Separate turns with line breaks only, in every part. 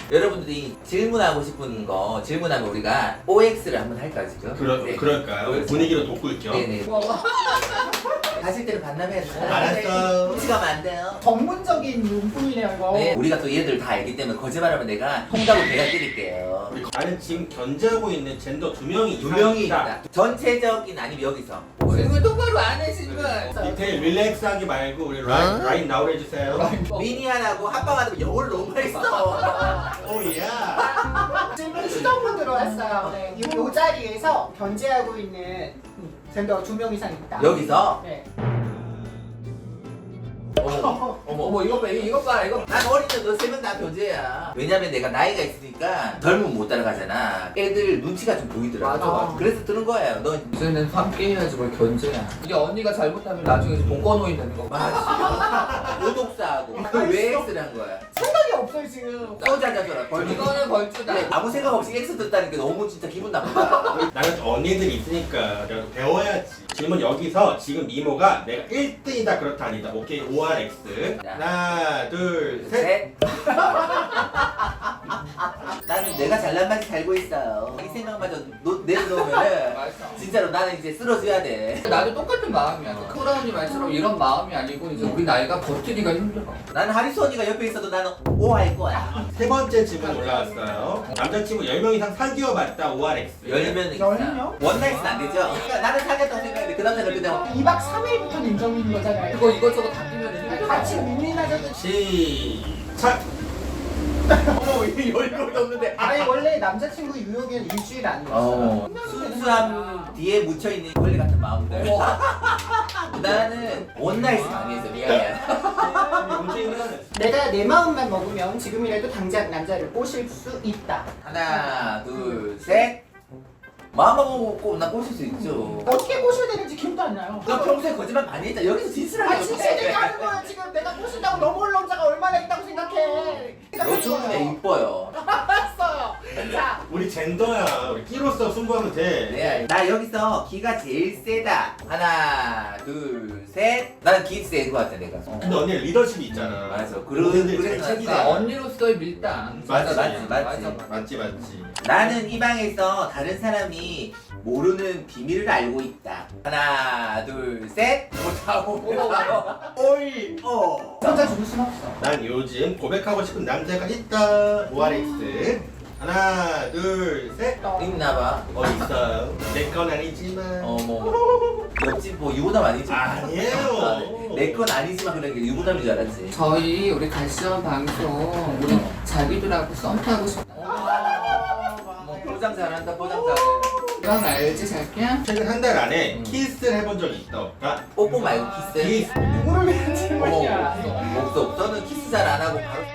여러분들이 질문하고 싶은 거 질문하면 우리가 OX를 한번 할까요 지금?
그럴까요?
OX.
분위기로 돋굴죠.
네네. 가실 때는 반납해야 돼요.
알았어.
같이 가면 안 돼요.
전문적인 용품이네요 이거.
네, 우리가 또 얘들 다 알기 때문에 거짓말하면 내가 통닭으로 배가 때릴게요.
나는 지금 견제하고 있는 젠더 2명이
두 명이 있다. 전체적인 아니면 여기서. 질문 똑바로 안 해 질문.
디테일 릴렉스하기 말고 우리 라인 나오래 해주세요.
미니안하고 합방하면 영어를 너무 많이 써.
오야.
질문 수정문 들어왔어요. 네. 요 자리에서 견제하고 있는 젠더 2명 이상 있다.
여기서?
네.
어머 이거 봐 이거 봐 이거 난 어린데 너 세 명 다 교제야. 왜냐면 내가 나이가 있으니까 젊으면 못 따라가잖아. 애들 눈치가 좀 보이더라고.
맞아.
그래서 뜨는 거예요. 너
이제는 함께 해야지 뭘 견제야. 이게 언니가 잘못하면 나중에 복권호인 되는 거.
맞지. 오독사하고 왜 X를 한 거야?
생각이 없어요 지금.
써자자줘라 벌.
이거는 벌주다.
아무 생각 없이 X 떴다는 게 너무 진짜 기분 나쁘다.
나는 언니들이 있으니까 내가 배워야지. 질문 여기서 지금 미모가 내가 1등이다 그렇다 아니다. 오케이 ORX. 하나 둘 셋.
셋. 나는 내가 잘난 맛이 살고 있어요. 이 생각마저 내려놓으면은
맞아.
진짜로 나는 이제 쓰러져야 돼.
나도 똑같은 마음이야. 코라 언니 말처럼 이런 마음이 아니고 이제 우리 나이가 버티기가 힘들어.
나는 하리수 언니가 옆에 있어도 나는 O 할 거야.
세 번째 질문 올라왔어요. 남자친구 10명 이상 사귀어 봤다 ORX.
10명
열
이상.
명?
원나잇은 안 되죠? 그러니까 나는 사귀었다고 생각했는데 그 남자는 그냥
2박 3일부터는 인정인 거잖아요.
그거 이것저것 다 끼면 힘들어.
같이 윈윈하자도.
시작.
어머 이게 10명이 넘는데
아니 원래 남자친구 유효기는 일주일 아니었어요.
순수함 뒤에 묻혀있는 원래 같은 마음들. 나는 원나잇은 많이 했어. 미안해.
문제는
내가 내 마음만 먹으면 지금이라도 당장 남자를 꼬실 수 있다.
하나 둘 셋. 마음만 먹고 나 꼬실 수 있죠.
어떻게 꼬셔야 되는지 기억도 안 나요.
너 평소에 거짓말 많이 했잖아. 여기서 진실하게
아 진짜 내가 하는 거야 지금. 내가 꼬신다고 넘어올 남자가 얼마나 있다고 생각해.
너 좋은데 이뻐요.
알았어요. 자,
우리 젠더야. 우리 끼로서 승부하면 돼.
네, 나 여기서 기가 제일 세다. 하나, 둘, 셋. 나는 기 센 거 같아 내가.
근데 언니 리더십이 있잖아.
맞아.
모든들
그래서
잘
책임져.
그러니까 언니로서의 밀당.
맞지.
맞지.
나는 이 방에서 다른 사람이 모르는 비밀을 알고 있다. 하나, 둘, 셋. 못하고. 오이.
혼자 죽을 순 없어.
난 요즘 고백하고 싶은 남자가 있다 ORX. 하나 둘 셋.
있나봐.
있어요. 내 건 아니지만.
어머. 옆집 뭐 유부남 아니지?
아니에요.
내 건 아니지만 그런 게 유부남인 줄 알았지.
저희 우리 갈시원 방송 우리 자기들하고 썸 타고 싶다.
뭐 포장 잘한다. 포장 잘해.
넌 알지 자기야?
최근 한 달 안에 키스를 해본 적이 있다 없다?
뽀뽀 말고 키스.
키스.
누구를 위한
어머.
질문이야.
없어. 너는 키스 잘 안 하고 바로.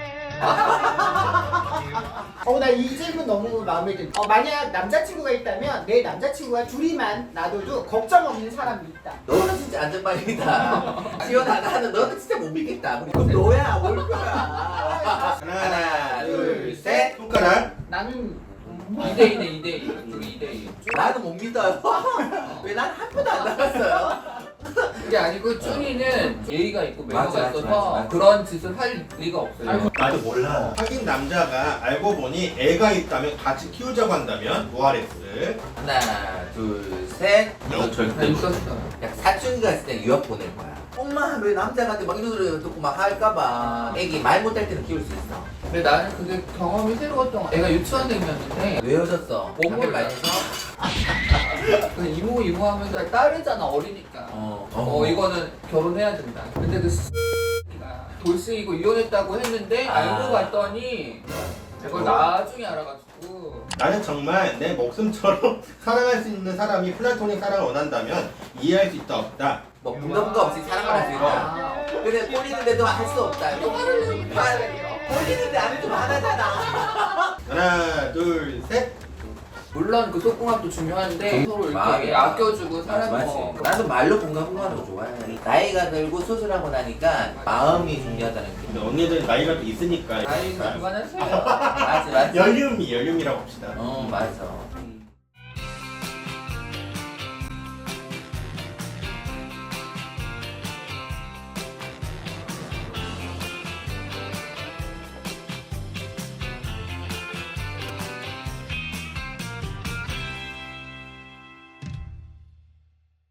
나 이 질문 너무 마음에 든. 만약 남자친구가 있다면 내 남자친구와 둘이만 놔둬도 걱정 없는 사람이 있다.
너는 진짜 안전빵이다. 지원 안 하는 너는 진짜 못 믿겠다. 그럼 너야 올 거야. 하나, 둘, 셋.
손가락.
나는
2대2네 2대2. 우리 2대2.
나는 못 믿어요. 왜 난 한 번도 안 나갔어요?
그게 아니고 쭈니는 예의가 있고 매너가
맞아,
있어서
맞아.
그런 짓을 할 리가 없어요.
나도 몰라. 사귄 남자가 알고 보니 애가 있다면 같이 키우자고 한다면 ORX.
하나, 둘, 셋. 너
다
절대.
있었어.
야, 사춘기가 있을 때 유학 보낼 거야. 엄마 왜 남자한테 막 이런 소리 듣고 막 할까봐. 애기 말 못할 때는 키울 수 있어.
근데 나는 그게 경험이 새로웠던 거야. 애가 유치원생이었는데
왜 헤어졌어?
몸을
학교를 많이 해서?
그 이모 하면서 딸이잖아 어리니까. 이거는 결혼해야 된다. 근데 그 X가 돌싱이고 이혼했다고 했는데 알고 봤더니 그걸 나중에 알아가지고.
나는 정말 내 목숨처럼 사랑할 수 있는 사람이 플라토닉 사랑을 원한다면 이해할 수 있다 없다.
뭐 분가분가 없이 사랑을 할 수 있다. 근데 꼴리는데도 할 수 없다. 꼴리는데 안 해도 화나잖아.
하나 둘 셋.
물론 그 속궁합도 중요한데 서로 이렇게
마음이야.
아껴주고 사랑하고.
나도 말로 분가분가하는 거 좋아해. 나이가 들고 수술하고 나니까 마음이 중요하다는 게.
근데 언니들 나이가 또 있으니까.
아이가 그만하세요.
맞지.
연륜이라고 합시다.
맞아.